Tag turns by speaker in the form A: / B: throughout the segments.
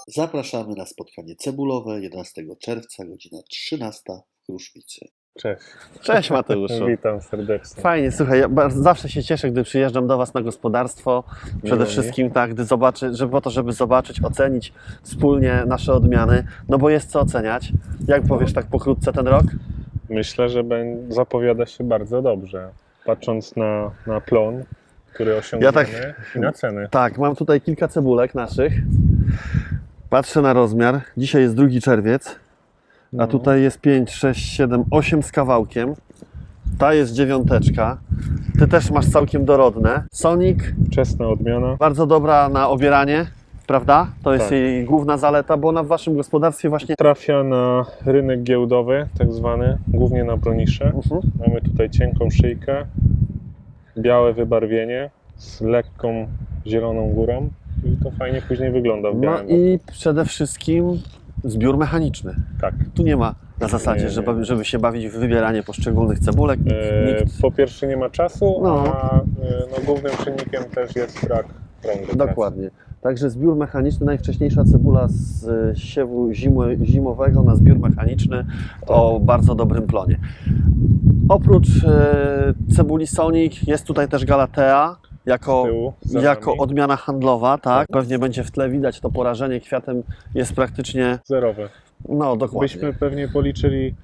A: Zapraszamy na spotkanie cebulowe 11 czerwca, godzina 13 w Kruszwicy.
B: Cześć.
C: Cześć Mateuszu.
B: Witam serdecznie.
C: Fajnie, słuchaj, ja zawsze się cieszę, gdy przyjeżdżam do Was na gospodarstwo. Przede
B: Miło
C: wszystkim tak, gdy żeby zobaczyć, ocenić wspólnie nasze odmiany, no bo jest co oceniać. Jak powiesz tak pokrótce ten rok?
B: Myślę, że zapowiada się bardzo dobrze. Patrząc na plon, który osiągniemy i na ceny.
C: Tak, mam tutaj kilka cebulek naszych. Patrzę na rozmiar. Dzisiaj jest 2 czerwiec, a tutaj jest 5, 6, 7, 8 z kawałkiem. Ta jest 9. Ty też masz całkiem dorodne. Sonic,
B: Wczesna odmiana.
C: bardzo dobra na obieranie, prawda? To jest
B: Tak.
C: jej główna zaleta, bo ona w Waszym gospodarstwie właśnie...
B: Trafia na rynek giełdowy, tak zwany, głównie na bronisze. Mamy tutaj cienką szyjkę, białe wybarwienie z lekką zieloną górą i to fajnie później wygląda w
C: No
B: białym.
C: i przede wszystkim zbiór mechaniczny.
B: Tak.
C: Tu nie ma na zasadzie,
B: Nie.
C: żeby się bawić w wybieranie poszczególnych cebulek. Nikt...
B: Po pierwsze nie ma czasu,
C: No.
B: a głównym czynnikiem też jest brak rąk do
C: Dokładnie. Także zbiór mechaniczny, najwcześniejsza cebula z siewu zimowego na zbiór mechaniczny o bardzo dobrym plonie. Oprócz cebuli Sonic jest tutaj też Galatea jako,
B: Z tyłu, za
C: jako
B: nami.
C: odmiana handlowa, tak? Pewnie będzie w tle widać to porażenie kwiatem jest praktycznie,
B: Zerowe.
C: no dokładnie.
B: Byśmy pewnie policzyli,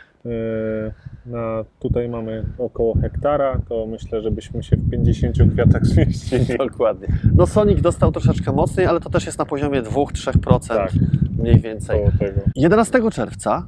B: tutaj mamy około hektara, to myślę, że byśmy się w 50 kwiatach zmieścili.
C: Dokładnie. No Sonic dostał troszeczkę mocniej, ale to też jest na poziomie 2-3%
B: Tak.
C: mniej więcej.
B: Koło tego.
C: 11 czerwca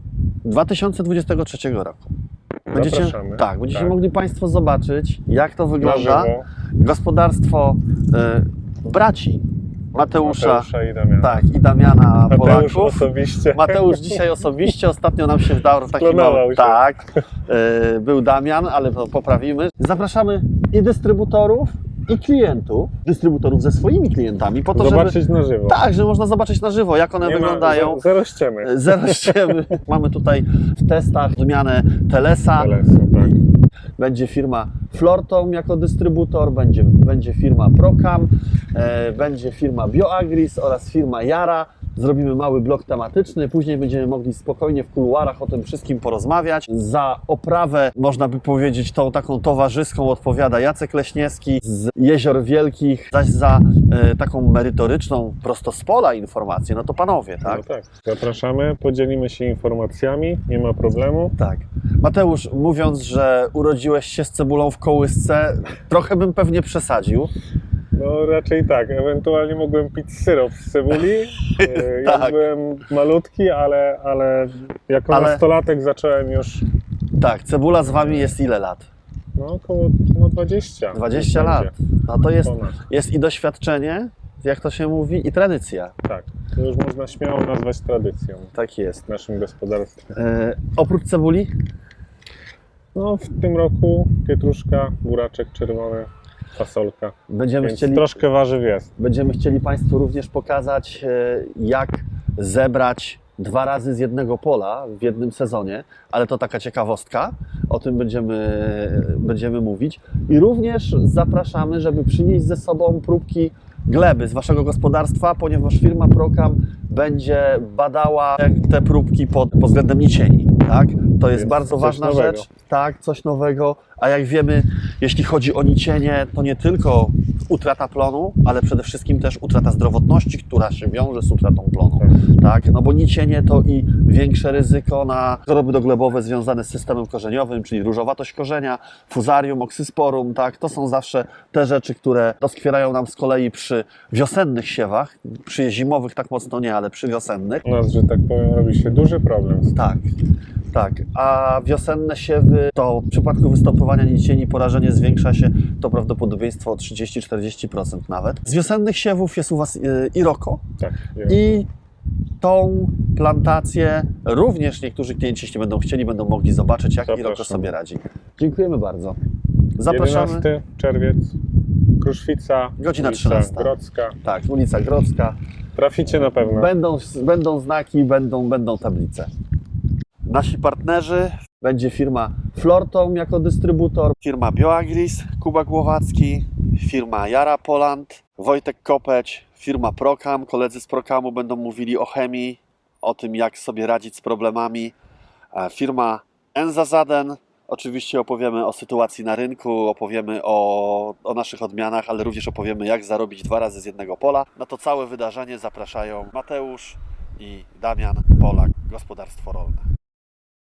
C: 2023 roku.
B: Zapraszamy.
C: Będziecie
B: Tak.
C: mogli Państwo zobaczyć, jak to
B: Na
C: wygląda.
B: żywo.
C: Gospodarstwo braci Mateusza
B: I Damiana.
C: tak, i Damiana
B: Mateusz
C: Polaków.
B: osobiście.
C: Mateusz dzisiaj osobiście, ostatnio nam się wdał taki
B: Sklonował
C: mały.
B: się.
C: Tak, był Damian, ale to poprawimy. Zapraszamy i dystrybutorów, i klientów, dystrybutorów ze swoimi klientami, po to,
B: Zobaczyć
C: żeby...
B: na żywo.
C: Tak, że można zobaczyć na żywo, jak one
B: Nie ma-
C: wyglądają.
B: Zero ściemy.
C: Zero ściemy. Mamy tutaj w testach zmianę Telesa.
B: Tak.
C: Będzie firma Flortom jako dystrybutor, będzie firma Procam, będzie firma BioAgris oraz firma Yara. Zrobimy mały blok tematyczny, później będziemy mogli spokojnie w kuluarach o tym wszystkim porozmawiać. Za oprawę, można by powiedzieć, tą taką towarzyską odpowiada Jacek Leśniewski z Jezior Wielkich, zaś za taką merytoryczną, prosto z pola informację, no to panowie, tak?
B: No tak. Zapraszamy, podzielimy się informacjami, nie ma problemu.
C: Tak. Mateusz, mówiąc, że urodziłeś się z cebulą w kołysce, trochę bym pewnie przesadził.
B: No raczej tak, ewentualnie mogłem pić syrop z cebuli, jak
C: Tak.
B: byłem malutki, ale jako nastolatek zacząłem już,
C: Tak, cebula z Wami jest ile lat?
B: no około 20.
C: 20
B: Już
C: lat.
B: będzie.
C: No to
B: Ponad.
C: jest i doświadczenie, jak to się mówi, i tradycja.
B: Tak, to już można śmiało nazwać tradycją
C: Tak jest.
B: w naszym gospodarstwie.
C: Oprócz cebuli?
B: No w tym roku pietruszka, buraczek czerwony, fasolka, więc troszkę warzyw jest.
C: Będziemy chcieli Państwu również pokazać, jak zebrać 2 razy z jednego pola w jednym sezonie, ale to taka ciekawostka, o tym będziemy mówić. I również zapraszamy, żeby przynieść ze sobą próbki gleby z Waszego gospodarstwa, ponieważ firma Procam będzie badała te próbki pod względem nicieni. Tak? To jest
B: Więc
C: bardzo
B: coś
C: ważna
B: nowego.
C: rzecz. Tak, coś nowego. A jak wiemy, jeśli chodzi o nicienie, to nie tylko utrata plonu, ale przede wszystkim też utrata zdrowotności, która się wiąże z utratą plonu. Tak? No bo nicienie to i większe ryzyko na choroby doglebowe związane z systemem korzeniowym, czyli różowatość korzenia, fuzarium, oksysporum. Tak? To są zawsze te rzeczy, które doskwierają nam z kolei przy wiosennych siewach, przy zimowych tak mocno nie, ale przy wiosennych.
B: U nas, że tak powiem, robi się duży problem z tym.
C: Tak, tak. A wiosenne siewy, to w przypadku występowania nicieni porażenie zwiększa się to prawdopodobieństwo o 30-40% nawet. Z wiosennych siewów jest u Was Iroko
B: Tak,
C: i tą plantację również niektórzy klienci, jeśli będą chcieli, będą mogli zobaczyć, jak
B: Zapraszam.
C: Iroko sobie radzi. Dziękujemy bardzo. Zapraszamy.
B: 11 czerwiec, Kruszwica,
C: Godzina
B: ulica
C: 13.
B: Grodzka.
C: Tak, ulica Grodzka.
B: Traficie na pewno.
C: Będą znaki, będą tablice. Nasi partnerzy będzie firma Flortom jako dystrybutor, firma BioAgris, Kuba Głowacki, firma Yara Poland, Wojtek Kopeć, firma Procam. Koledzy z Procamu będą mówili o chemii, o tym, jak sobie radzić z problemami. Firma Enzazaden. Oczywiście opowiemy o sytuacji na rynku, opowiemy o naszych odmianach, ale również opowiemy, jak zarobić 2 razy z jednego pola. Na to całe wydarzenie zapraszają Mateusz i Damian Polak, Gospodarstwo Rolne.